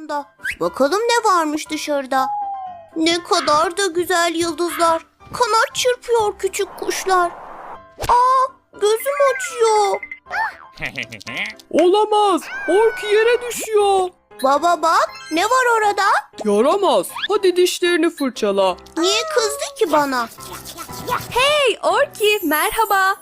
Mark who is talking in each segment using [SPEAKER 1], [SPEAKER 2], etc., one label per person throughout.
[SPEAKER 1] aslında. Bakalım ne varmış dışarıda. Ne kadar da güzel yıldızlar. Kanat çırpıyor küçük kuşlar. Aa, gözüm acıyor.
[SPEAKER 2] Olamaz. Orki yere düşüyor.
[SPEAKER 1] Baba bak, ne var orada?
[SPEAKER 2] Yaramaz. Hadi dişlerini fırçala.
[SPEAKER 1] Niye kızdı ki bana?
[SPEAKER 3] Hey Orki, merhaba.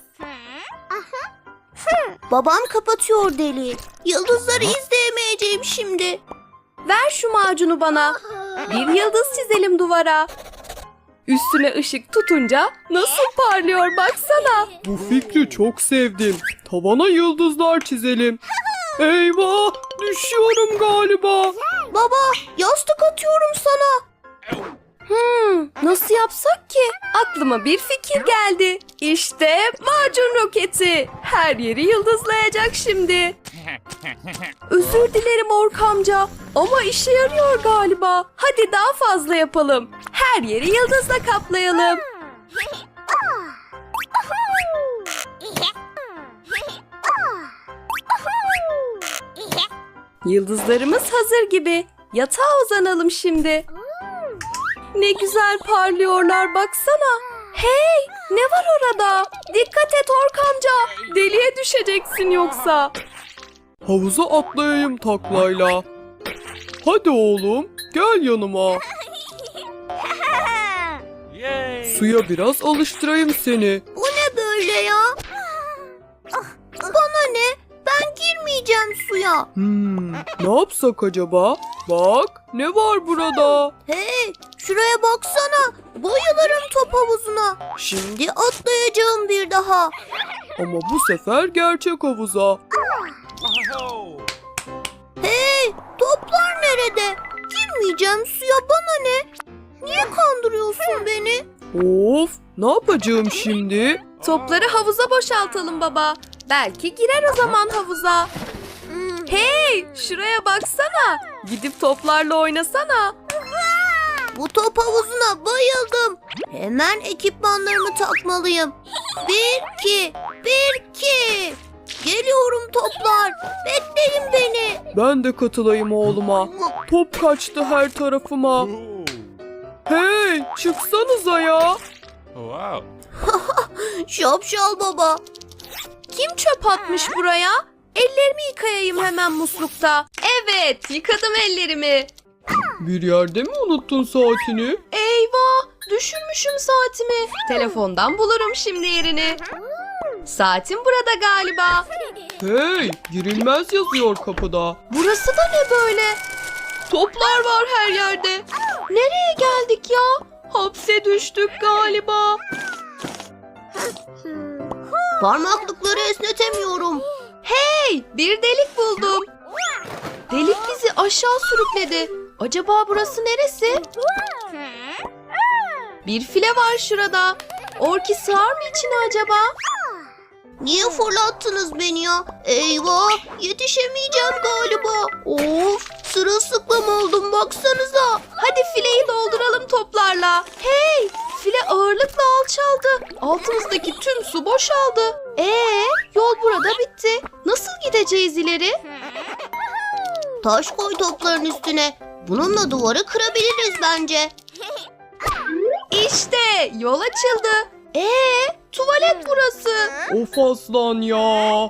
[SPEAKER 1] Babam kapatıyor deliği. Yıldızları izleyemeyeceğim şimdi.
[SPEAKER 3] Ver şu macunu bana. Bir yıldız çizelim duvara. Üstüne ışık tutunca nasıl parlıyor baksana.
[SPEAKER 2] Bu fikri çok sevdim. Tavana yıldızlar çizelim. Eyvah! Düşüyorum galiba.
[SPEAKER 1] Baba, yastık atıyorum sana.
[SPEAKER 3] Nasıl yapsak ki? Aklıma bir fikir geldi. İşte macun roketi. Her yeri yıldızlayacak şimdi. Özür dilerim Ork amca ama işe yarıyor galiba. Hadi daha fazla yapalım. Her yeri yıldızla kaplayalım. Yıldızlarımız hazır gibi. Yatağa uzanalım şimdi. Ne güzel parlıyorlar baksana. Hey, ne var orada? Dikkat et Ork amca. Deliğe düşeceksin yoksa.
[SPEAKER 2] Havuza atlayayım taklayla. Hadi oğlum, gel yanıma. Suya biraz alıştırayım seni.
[SPEAKER 1] Bu ne böyle ya? Bana ne? Ben girmeyeceğim suya.
[SPEAKER 2] Ne yapsak acaba? Bak, ne var burada?
[SPEAKER 1] Hey, şuraya baksana. Bayılırım top havuzuna. Şimdi atlayacağım bir daha.
[SPEAKER 2] Ama bu sefer gerçek havuza.
[SPEAKER 1] Hey, toplar nerede? Girmeyeceğim suya, bana ne? Niye kandırıyorsun beni?
[SPEAKER 2] Of, ne yapacağım şimdi?
[SPEAKER 3] Topları havuza boşaltalım baba. Belki girer o zaman havuza. Hey, şuraya baksana. Gidip toplarla oynasana.
[SPEAKER 1] Bu top havuzuna bayıldım. Hemen ekipmanlarımı takmalıyım. Bir, iki. Geliyorum toplar. Bekleyin beni.
[SPEAKER 2] Ben de katılayım oğluma. Top kaçtı her tarafıma. Hey, çıksanıza ya.
[SPEAKER 4] Wow.
[SPEAKER 1] Şapşal baba.
[SPEAKER 3] Kim çöp atmış buraya? Ellerimi yıkayayım hemen muslukta. Evet, yıkadım ellerimi.
[SPEAKER 2] Bir yerde mi unuttun saatini?
[SPEAKER 3] Eyvah, düşürmüşüm saatimi. Telefondan bulurum şimdi yerini. Saatim burada galiba.
[SPEAKER 2] Hey, girilmez yazıyor kapıda.
[SPEAKER 3] Burası da ne böyle? Toplar var her yerde. Nereye geldik ya? Hapse düştük galiba.
[SPEAKER 1] Parmaklıkları esnetemiyorum.
[SPEAKER 3] Hey, bir delik buldum. Delik bizi aşağı sürükledi. Acaba burası neresi? Bir file var şurada. Orki sığar mı içine acaba?
[SPEAKER 1] Niye fırlattınız beni ya? Eyvah, yetişemeyeceğim galiba. Of, sırılsıklam oldum baksanıza.
[SPEAKER 3] Hadi fileyi dolduralım toplarla. Hey, file ağırlıkla alçaldı. Altımızdaki tüm su boşaldı. Yol burada bitti. Nasıl gideceğiz ileri?
[SPEAKER 1] Taş koy topların üstüne. Bununla duvarı kırabiliriz bence.
[SPEAKER 3] İşte yol açıldı. Tuvalet burası.
[SPEAKER 2] Of aslan ya.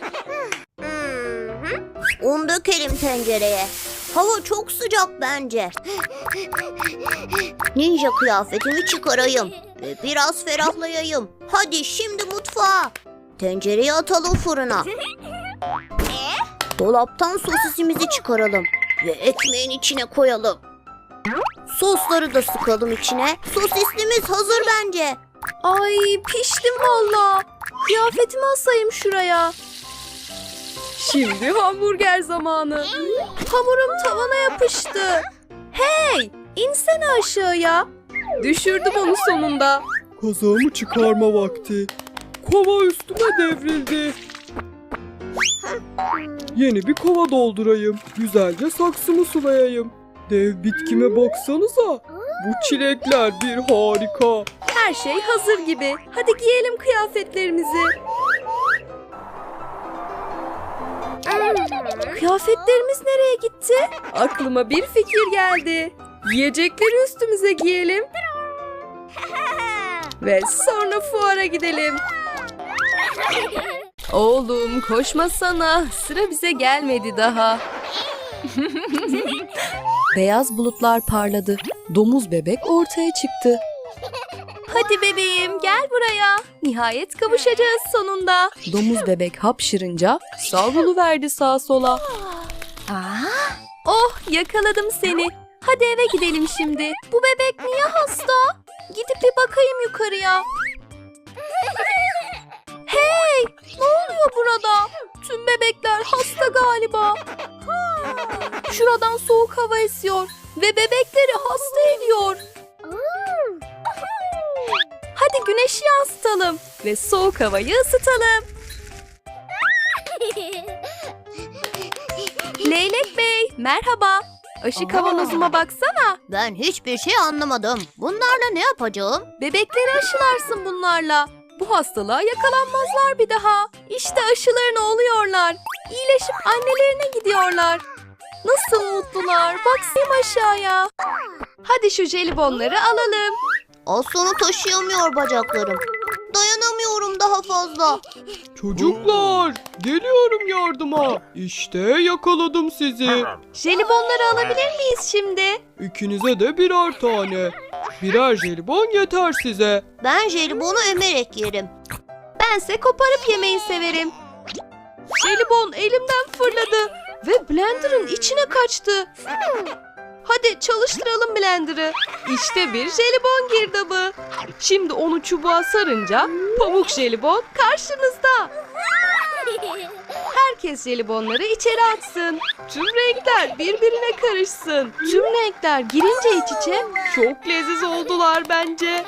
[SPEAKER 1] Un dökelim tencereye. Hava çok sıcak bence. Ninja kıyafetimi çıkarayım ve biraz ferahlayayım. Hadi şimdi mutfağa. Tencereyi atalım fırına. Dolaptan sosisimizi çıkaralım ve ekmeğin içine koyalım. Sosları da sıkalım içine. Sosislimiz hazır bence.
[SPEAKER 3] Ay piştim valla. Kıyafetimi asayım şuraya. Şimdi hamburger zamanı. Hamurum tavana yapıştı. Hey, insene aşağıya. Düşürdüm onu sonunda.
[SPEAKER 2] Kazağımı çıkarma vakti. Kova üstüme devrildi. Yeni bir kova doldurayım. Güzelce saksımı sulayayım. Dev bitkime baksanıza. Bu çilekler bir harika.
[SPEAKER 3] Her şey hazır gibi. Hadi giyelim kıyafetlerimizi. Kıyafetlerimiz nereye gitti? Aklıma bir fikir geldi. Yiyecekleri üstümüze giyelim. Ve sonra fuara gidelim. Oğlum koşmasana. Sıra bize gelmedi daha. Beyaz bulutlar parladı. Domuz bebek ortaya çıktı. Hadi bebeğim gel buraya. Nihayet kavuşacağız sonunda. Domuz bebek hapşırınca savruluverdi sağa sola. Oh yakaladım seni. Hadi eve gidelim şimdi. Bu bebek niye hasta? Gidip bir bakayım yukarıya. Hey! Ne oluyor burada? Tüm bebekler hasta galiba. Şuradan soğuk hava esiyor ve bebekleri hasta ediyor. Hadi güneşi yansıtalım ve soğuk havayı ısıtalım. Leylek Bey, merhaba. Aşı kavanozuma baksana.
[SPEAKER 1] Ben hiçbir şey anlamadım. Bunlarla ne yapacağım?
[SPEAKER 3] Bebekleri aşılarsın bunlarla. Bu hastalığa yakalanmazlar bir daha. İşte aşılarını oluyorlar. İyileşip annelerine gidiyorlar. Nasıl mutlular. Baksayım aşağıya. Hadi şu jelibonları alalım.
[SPEAKER 1] Aslanı taşıyamıyor bacaklarım. Dayanamıyorum daha fazla.
[SPEAKER 2] Çocuklar, geliyorum yardıma. İşte yakaladım sizi.
[SPEAKER 3] Jelibonları alabilir miyiz şimdi?
[SPEAKER 2] İkinize de birer tane. Birer jelibon yeter size.
[SPEAKER 1] Ben jelibonu emerek yerim.
[SPEAKER 3] Bense koparıp yemeyi severim. Jelibon elimden fırladı ve blenderın içine kaçtı. Hadi çalıştıralım blenderı. İşte bir jelibon girdabı. Şimdi onu çubuğa sarınca pamuk jelibon karşınızda. Herkes jelibonları içeri atsın. Tüm renkler birbirine karışsın. Tüm renkler girince iç içe çok leziz oldular bence.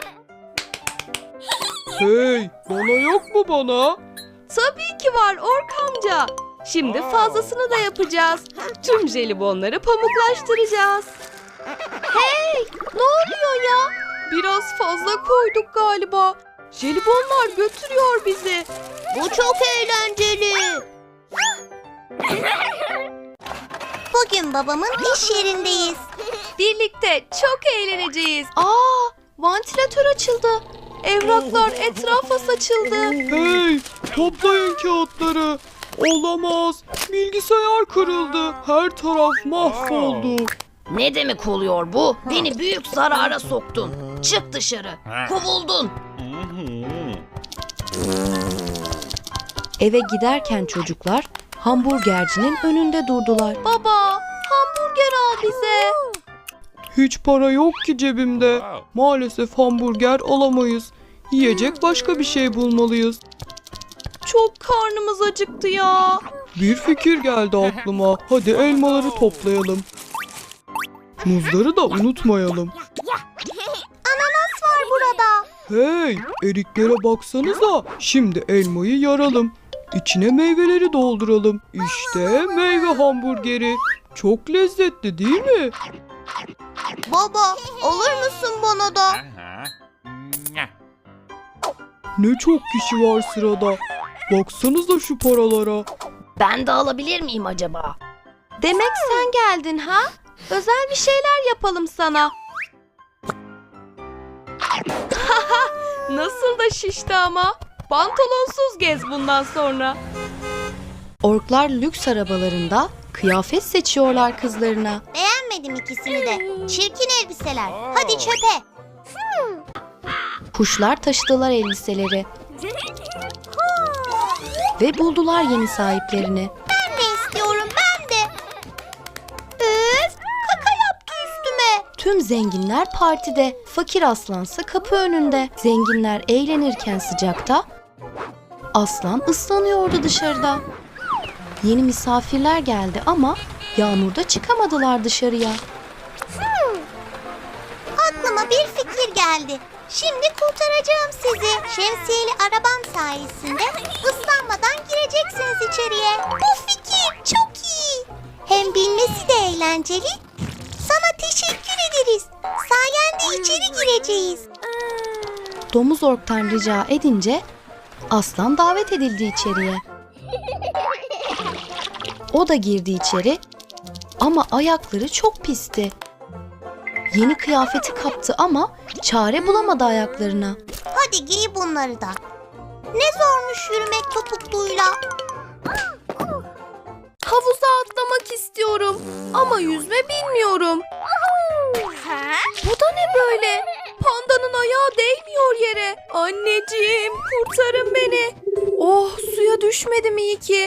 [SPEAKER 2] Hey, bana yok mu bana?
[SPEAKER 3] Tabii ki var Ork amca. Şimdi fazlasını da yapacağız. Tüm jelibonları pamuklaştıracağız. Hey, ne oluyor ya? Biraz fazla koyduk galiba. Jelibonlar götürüyor bizi.
[SPEAKER 1] Bu çok eğlenceli. Bugün babamın iş yerindeyiz.
[SPEAKER 3] Birlikte çok eğleneceğiz. Vantilatör açıldı. Evraklar etrafa saçıldı.
[SPEAKER 2] Hey, toplayın kağıtları. Olamaz. Bilgisayar kırıldı. Her taraf mahvoldu.
[SPEAKER 4] Ne demek oluyor bu? Beni büyük zarara soktun. Çık dışarı. Kovuldun.
[SPEAKER 3] Eve giderken çocuklar hamburgercinin önünde durdular. Baba, hamburger al bize.
[SPEAKER 2] Hiç para yok ki cebimde. Maalesef hamburger alamayız. Yiyecek başka bir şey bulmalıyız.
[SPEAKER 3] Çok karnımız acıktı ya.
[SPEAKER 2] Bir fikir geldi aklıma. Hadi elmaları toplayalım. Muzları da unutmayalım.
[SPEAKER 1] Ananas var burada.
[SPEAKER 2] Hey, eriklere baksanıza. Şimdi elmayı yaralım. İçine meyveleri dolduralım. İşte meyve hamburgeri. Çok lezzetli değil mi?
[SPEAKER 1] Baba, alır mısın bana da?
[SPEAKER 2] Ne çok kişi var sırada. Baksanıza şu paralara.
[SPEAKER 4] Ben de alabilir miyim acaba?
[SPEAKER 3] Demek sen geldin ha? Özel bir şeyler yapalım sana. Nasıl da şişti ama. Pantolonsuz gez bundan sonra. Orklar lüks arabalarında kıyafet seçiyorlar kızlarına.
[SPEAKER 1] Beğenmedim ikisini de. Çirkin elbiseler. Hadi çöpe.
[SPEAKER 3] Kuşlar taşıdılar elbiseleri. Ve buldular yeni sahiplerini.
[SPEAKER 1] Ben de istiyorum, ben de. Üf, kaka yaptı üstüme.
[SPEAKER 3] Tüm zenginler partide, fakir aslansa kapı önünde. Zenginler eğlenirken sıcakta, aslan ıslanıyordu dışarıda. Yeni misafirler geldi ama yağmurda çıkamadılar dışarıya.
[SPEAKER 1] Aklıma bir fikir geldi. Şimdi kurtaracağım sizi. Şemsiyeli arabam sayesinde ıslanmadan gireceksiniz içeriye. Bu fikir çok iyi. Hem bilmesi de eğlenceli. Sana teşekkür ederiz. Sayende içeri gireceğiz.
[SPEAKER 3] Domuz orktan rica edince aslan davet edildi içeriye. O da girdi içeri ama ayakları çok pisti. Yeni kıyafeti kaptı ama çare bulamadı ayaklarına.
[SPEAKER 1] Hadi giy bunları da. Ne zormuş yürümek topukluyla.
[SPEAKER 3] Havuza atlamak istiyorum ama yüzme bilmiyorum. Bu da ne böyle? Pandanın ayağı değmiyor yere. Anneciğim, kurtarın beni. Oh, suya düşmedim iyi ki.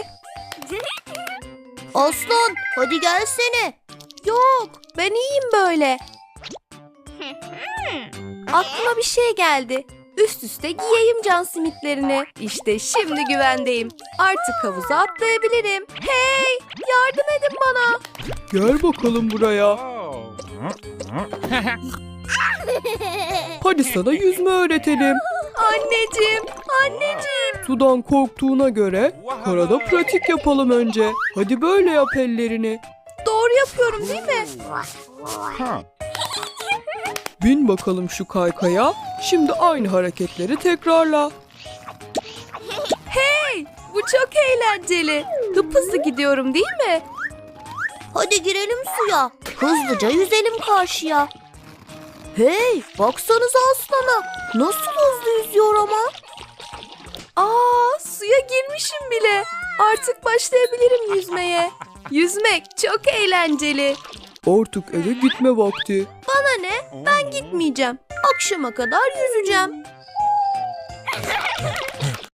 [SPEAKER 1] Aslan hadi gelsene.
[SPEAKER 3] Yok, ben iyiyim böyle. Aklıma bir şey geldi. Üst üste giyeyim can simitlerini. İşte şimdi güvendeyim. Artık havuza atlayabilirim. Hey, yardım edin bana.
[SPEAKER 2] Gel bakalım buraya. Hadi sana yüzme öğretelim.
[SPEAKER 3] Anneciğim, anneciğim.
[SPEAKER 2] Sudan korktuğuna göre karada pratik yapalım önce. Hadi böyle yap ellerini.
[SPEAKER 3] Doğru yapıyorum değil mi?
[SPEAKER 2] Bin bakalım şu kaykaya. Şimdi aynı hareketleri tekrarla.
[SPEAKER 3] Hey, bu çok eğlenceli. Hıpızlı gidiyorum değil mi?
[SPEAKER 1] Hadi girelim suya. Hızlıca yüzelim karşıya. Hey baksanıza aslana. Nasıl hızlı yüzüyor ama.
[SPEAKER 3] Aa, suya girmişim bile. Artık başlayabilirim yüzmeye. Yüzmek çok eğlenceli.
[SPEAKER 2] Artık eve gitme vakti.
[SPEAKER 3] Bana ne? Ben gitmeyeceğim. Akşama kadar yüzeceğim.